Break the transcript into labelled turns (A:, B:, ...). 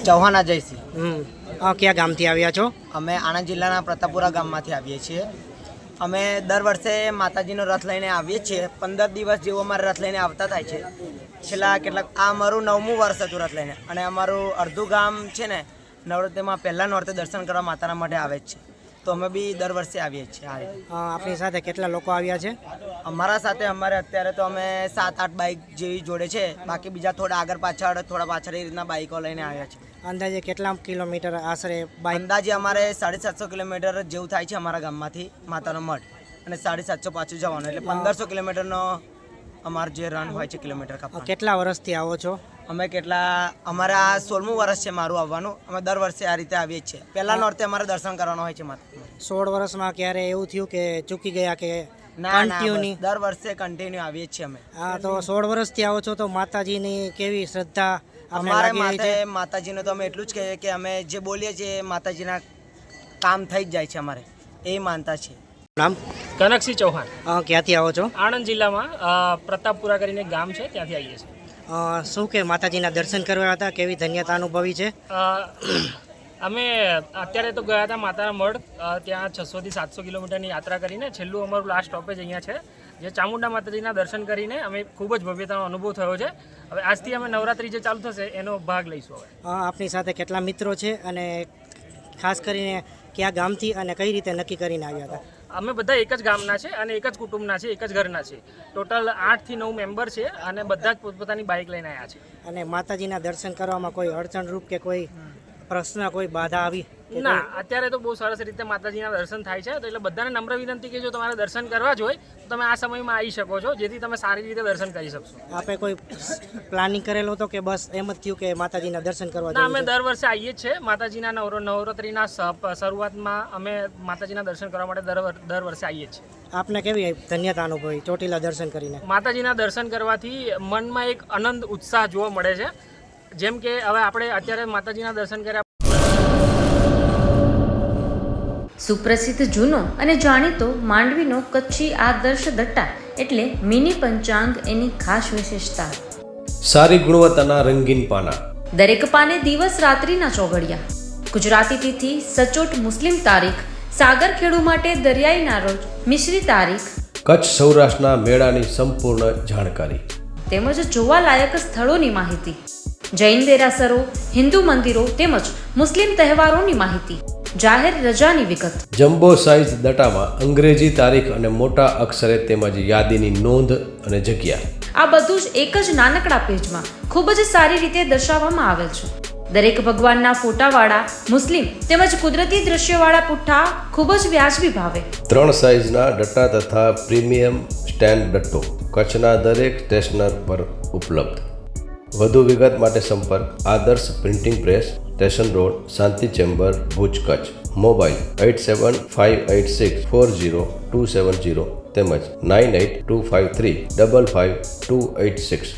A: ચૌહાણ અજયસિંહ.
B: કયા ગામથી આવ્યા છો?
A: અમે આણંદ જિલ્લાના પ્રતાપપુરા ગામમાંથી આવીએ છીએ. અમે દર વર્ષે માતાજીનો રથ લઈને આવીએ છીએ. 15 દિવસ જેવો અમારે રથ લઈને આવતા થાય છે. છેલ્લા આ અમારું 9મું વર્ષ હતું રથ લઈને. અને અમારું અડધું ગામ છે ને નવરાત્રિમાં પહેલાં નોરતે દર્શન કરવા માતાના માટે આવે જ છે. તો અમે બી દર વર્ષે આવીએ છીએ.
B: આપણી સાથે કેટલા લોકો આવ્યા છે?
A: અમારા સાથે અત્યારે તો અમે 7-8 બાઇક જેવી જોડે છે. બાકી બીજા થોડા આગળ પાછળ એ રીતના બાઇકો લઈને આવ્યા છે.
B: અંદાજે કેટલા કિલોમીટર આશરે બાઇક?
A: અંદાજે અમારે 750 કિલોમીટર જેવું થાય છે અમારા ગામમાંથી માતાનો મઠ, અને 750 પાછું જવાનું, એટલે 1500 કિલોમીટરનો અમારો જે રન હોય છે કિલોમીટર કાપવાનો.
B: કેટલા વર્ષથી આવો છો?
A: અમારા 16મું વર્ષ છે મારું આવવાનું. અમે દર વર્ષે આ રીતે આવીએ છીએ. પહેલા નોરતે અમારે દર્શન કરવાનું હોય છે માતા.
B: 16 વર્ષમાં ક્યારે એવું થયું કે ચૂકી ગયા કે
A: ના, દર વર્ષે કન્ટિન્યુ આવીએ છીએ અમે.
B: હા, તો 16 વર્ષથી આવો છો તો માતાજીની કેવી શ્રદ્ધા
A: અમારે માતાજીને તો અમે એટલું જ કહીએ કે અમે જે બોલીએ છીએ માતાજીના કામ થઈ જ જાય છે. અમારે એ માનતા છે.
B: નામ?
C: કનકસિંહ ચૌહાણ.
B: ક્યાંથી આવો છો?
C: આણંદ જિલ્લામાં પ્રતાપપુરા કરીને એક ગામ છે, ત્યાંથી આવીએ છીએ.
B: શું કે માતાજીના દર્શન કરવા હતા, કેવી ધન્યતા અનુભવી છે?
C: અમે અત્યારે તો ગયા હતા માતાના મઢ. ત્યાં 600 થી 700 કિલોમીટરની યાત્રા કરીને છેલ્લું અમારું લાસ્ટ સ્ટોપેજ અહીંયા છે, જે ચામુંડા માતાજીના દર્શન કરીને અમે ખૂબ જ ભવ્યતાનો અનુભવ થયો છે. હવે આજથી અમે નવરાત્રિ જે ચાલુ થશે એનો ભાગ લઈશું. હવે
B: આપની સાથે કેટલા મિત્રો છે અને ખાસ કરીને કયા ગામથી અને કઈ રીતે નક્કી કરીને આવ્યા હતા?
C: અમે બધા એક જ ગામના છે અને એક જ કુટુંબના છે, એક જ ઘરના છે. ટોટલ 8 થી 9 મેમ્બર છે અને બધા જ પોતપોતાની બાઇક લઈને આવ્યા છે.
B: અને માતાજીના દર્શન કરવામાં કોઈ અડચણરૂપ કે કોઈ પ્રશ્ન, કોઈ બાધા આવી?
C: ના, અત્યારે તો બહુ સરસ રીતે માતાજીના દર્શન થાય છે. તો એટલે બધાને નમ્ર વિનંતી કે જો તમારે દર્શન કરવા જ હોય તો તમે આ સમયમાં આવી શકો છો, જેથી તમે સારી રીતે દર્શન કરી શકશો.
B: આપે કોઈ પ્લાનિંગ કરેલો હતો કે બસ એમ જ થયું કે માતાજીના દર્શન કરવા?
C: ના, અમે દર વર્ષે આવીએ જ છીએ. માતાજીના નવરાત્રિના શરૂઆતમાં અમે માતાજીના દર્શન કરવા માટે દર વર્ષે આવીએ છીએ.
B: આપને કેવી ધન્યતા અનુભવી ચોટીલા દર્શન કરીને?
C: માતાજીના દર્શન કરવાથી મનમાં એક આનંદ, ઉત્સાહ જોવા મળે છે. જેમ કે હવે આપણે અત્યારે માતાજીના દર્શન કર્યા.
D: સુપ્રસિદ્ધ જૂનો અને જાણીતો માંડવીનો કચ્છી આદર્શ દટ્ટા એટલે મિની પંચાંગ એની ખાસ વિશેષતા.
E: સારી ગુણવત્તાના રંગીન પાના,
D: દરેક પાને દિવસ રાત્રિના ચોઘડિયા, ગુજરાતી તિથિ સચોટ મુસ્લિમ તારીખ, સાગરખેડુ માટે દરિયાઈના રોજ મિશ્રી તારીખ,
E: કચ્છ સૌરાષ્ટ્રના મેળાની સંપૂર્ણ જાણકારી
D: તેમજ જોવાલાયક સ્થળોની માહિતી, જૈન દેરાસરો, હિન્દુ મંદિરો તેમજ મુસ્લિમ તહેવારોની માહિતી, જાહેર રજાની વિગત.
E: જમ્બો સાઇઝ દટામાં અંગ્રેજી તારીખ અને મોટા અક્ષરે તેમજ યાદીની નોંધ અને જગ્યા.
D: આ બધું જ એક જ નાનકડા પેજમાં ખૂબ જ સારી રીતે દર્શાવવામાં આવેલ છે. દરેક ભગવાનના ફોટાવાળા મુસ્લિમ તેમજ કુદરતી દ્રશ્યવાળા પુઠ્ઠા ખૂબ જ વ્યાજબી ભાવે. 3
E: સાઇઝના ડટ્ટા તથા પ્રીમિયમ સ્ટેન્ડ ડટ્ટો કચ્છના દરેક સ્ટેશનર પર ઉપલબ્ધ. વધુ વિગત માટે સંપર્ક Adarsh printing press, station road, Shanti chamber, Bhuj, Kutch. Mobile 8758640270 તેમજ 9825355286.